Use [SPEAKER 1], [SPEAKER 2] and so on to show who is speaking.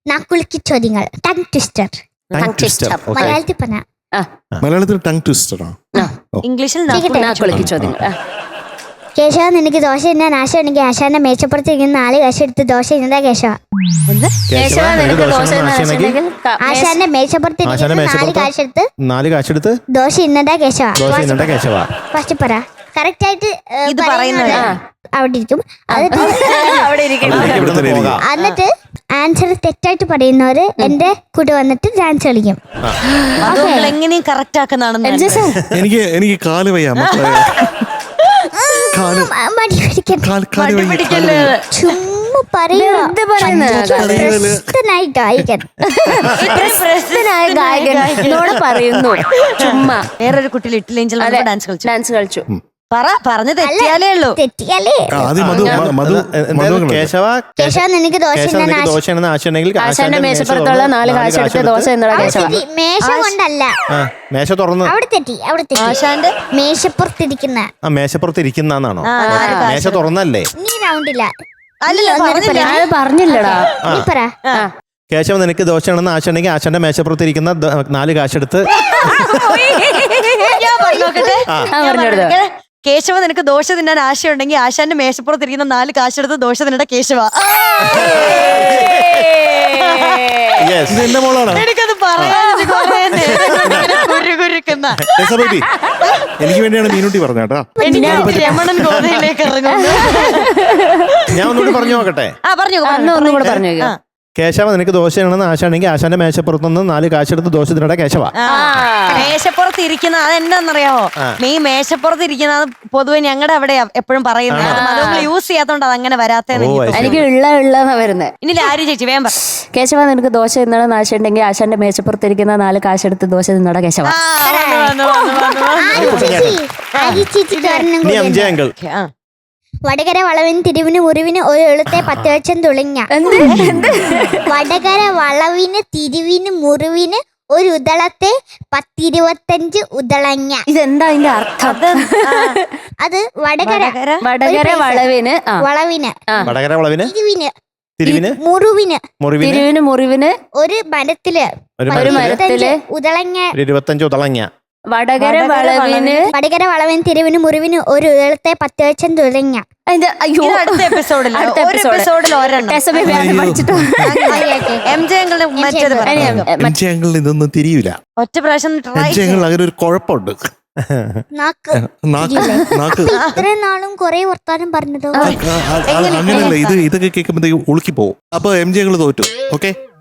[SPEAKER 1] നാക്കുളുക്കി ചോദ്യങ്ങൾ. Tongue twister. മലയാളത്തിൽ പറഞ്ഞ
[SPEAKER 2] മലയാളത്തിൽ ടങ് ട്വിസ്റ്ററാ.
[SPEAKER 3] ഇംഗ്ലീഷിൽ
[SPEAKER 4] നാക്കുളുക്കി ചോദ്യങ്ങൾ.
[SPEAKER 1] കേശവ നിനക്ക് ദോശ തിന്നാൻ ആശ ഉണ്ടെങ്കിൽ ആശാന്റെ മേശപ്പുറത്ത് ഇരിക്കുന്ന 4 കാശ് എടുത്ത് ദോശ തിന്നതാ കേശവ.
[SPEAKER 4] കേശവ നിനക്ക് ദോശ തിന്നാൻ
[SPEAKER 1] ആശാന്റെ മേശപ്പുറത്ത് ഇരിക്കുന്ന 4 കാശ് എടുത്ത് ദോശ തിന്നതാ കേശവ. ഫസ്റ്റ് പറ. കറക്റ്റ് ആയിട്ട്
[SPEAKER 3] ഇത് പറയുന്നത്
[SPEAKER 1] അവിടെ ഇരിക്കും.
[SPEAKER 4] അവിടെ ഇരിക്കണം.
[SPEAKER 1] എന്നിട്ട് ആൻസർ തെറ്റായിട്ട് പറയുന്നവര് എന്റെ കൂടെ വന്നിട്ട് ഡാൻസ് കളിക്കും.
[SPEAKER 3] അതുകൊണ്ട് എങ്ങനെയും കറക്റ്റ് ആക്കുന്നതാണെന്ന്
[SPEAKER 2] എനിക്ക് കാല് വയ്യ മക്കളെ.
[SPEAKER 1] മടി പിടിക്കല്ലേ. ചുമ്മാ
[SPEAKER 4] പ്രശസ്തനായ ഗായകൻ എന്നോട് പറയുന്നു. ചുമ്മാ
[SPEAKER 3] വേറൊരു കുട്ടി ലിറ്റിൽ ഏഞ്ചൽ ഡാൻസ് കളിച്ചു. പറഞ്ഞു തെറ്റിയാലേ ഉള്ളൂ.
[SPEAKER 1] തെറ്റിയാലേ കേശവ നിനക്ക് ദോശ
[SPEAKER 4] ആശാന്റെ മേശപ്പുറത്തുള്ള 4 കാശ് എടുത്ത് ദോശ എന്നോട് കേശവ.
[SPEAKER 1] മേശ കൊണ്ടല്ല,
[SPEAKER 2] മേശ തുറന്ന്
[SPEAKER 1] അവിടെ തെറ്റി.
[SPEAKER 3] ആശാന്റെ
[SPEAKER 1] മേശപ്പുറത്തിരിക്കുന്ന
[SPEAKER 2] മേശപ്പുറത്തിരിക്കുന്നാണോ? മേശ തുറന്നല്ലേ?
[SPEAKER 1] നീ റൗണ്ടില്ല.
[SPEAKER 4] ഞാൻ പറഞ്ഞില്ലടാ.
[SPEAKER 1] നീ പറ.
[SPEAKER 2] കേശവ നിനക്ക് ദോശയാണെന്ന് ആശുണ്ടെങ്കിൽ ആശാന്റെ മേശപ്പുറത്തിരിക്കുന്ന 4 കാശെടുത്ത്
[SPEAKER 3] കേശവ നിനക്ക് ദോശ തിന്നാൻ ആശയുണ്ടെങ്കിൽ ആശാന്റെ മേശപ്പുറത്തിരിക്കുന്ന 4 കാശെടുത്ത് ദോശ തിന്നട കേശവ.
[SPEAKER 2] എന്റെ മോളാണ്.
[SPEAKER 3] എനിക്കത് പറയാൻ
[SPEAKER 2] എനിക്ക് വേണ്ടിയാണ് മീനുട്ടി പറഞ്ഞേട്ടാ.
[SPEAKER 3] രമണൻ ഗോതയിലേക്ക് ഇറങ്ങുന്നു.
[SPEAKER 2] ഞാൻ ഒന്നുകൂടി പറഞ്ഞു നോക്കട്ടെ.
[SPEAKER 4] ഒന്നും കൂടെ പറഞ്ഞു.
[SPEAKER 2] കേശവ നിനക്ക് ദോശയാണെന്ന് ആശാണെങ്കിൽ ആശാന്റെ മേശപ്പുറത്തുനിന്ന് 4 കാശെടുത്ത് ദോശ തിന്നട കേശവ.
[SPEAKER 3] മേശപ്പുറത്ത് ഇരിക്കുന്ന അതെന്താന്നറിയാമോ? ഈ മേശപ്പുറത്ത് ഇരിക്കുന്ന പൊതുവെ ഞങ്ങളുടെ അവിടെ എപ്പോഴും പറയുന്നത്. അതുകൊണ്ട് യൂസ് ചെയ്യാത്തോണ്ട് അതങ്ങനെ വരാത്തേന്ന്
[SPEAKER 4] എനിക്ക് ഉള്ളതാ വരുന്നത്.
[SPEAKER 3] ഇനി ആര് ചേച്ചി വേഗം പറ.
[SPEAKER 4] കേശവ നിനക്ക് ദോശ തിന്നണം ആശയുണ്ടെങ്കിൽ ആശാന്റെ മേശപ്പുറത്തിരിക്കുന്ന 4 കാശെടുത്ത് ദോശ തിന്നട കേശവ.
[SPEAKER 1] വടകര വളവിന് തിരിവിന് മുറിവിന് ഒരു എളുത്തെ 10 ലക്ഷം തുളങ്ങ. വടകര വളവിന് തിരിവിന് മുറിവിന് ഒരു ഉദളത്തെ 10-25 ഉദളങ്ങ.
[SPEAKER 4] ഇതെന്താ അതിന്റെ അർത്ഥം?
[SPEAKER 1] അത് വടകര
[SPEAKER 4] വളവിന്
[SPEAKER 1] തിരിവിന് മുറിവിന് ഒരു മരത്തില് ഉദളങ്ങ
[SPEAKER 2] 25 ഉദളങ്ങ.
[SPEAKER 4] വടകര
[SPEAKER 1] വളവിന് തിരിവിന് മുറിവിന് ഒരു ഉദളത്തെ 10 ലക്ഷം തുളങ്ങ.
[SPEAKER 3] അടുത്ത എപ്പിസോഡിൽ
[SPEAKER 2] ഇതൊന്നും തിരിയൂല.
[SPEAKER 3] ഒറ്റ പ്രാവശ്യം
[SPEAKER 2] അങ്ങനെ ഒരു കുഴപ്പമുണ്ട്.
[SPEAKER 1] ഇത്രയും നാളും കൊറേ വർത്താനം പറഞ്ഞതോ
[SPEAKER 2] അങ്ങനെയല്ല. ഇതൊക്കെ കേൾക്കുമ്പോഴത്തേക്ക് ഉളുക്കി പോകും. അപ്പൊ MJ തോറ്റു. ഓക്കെ.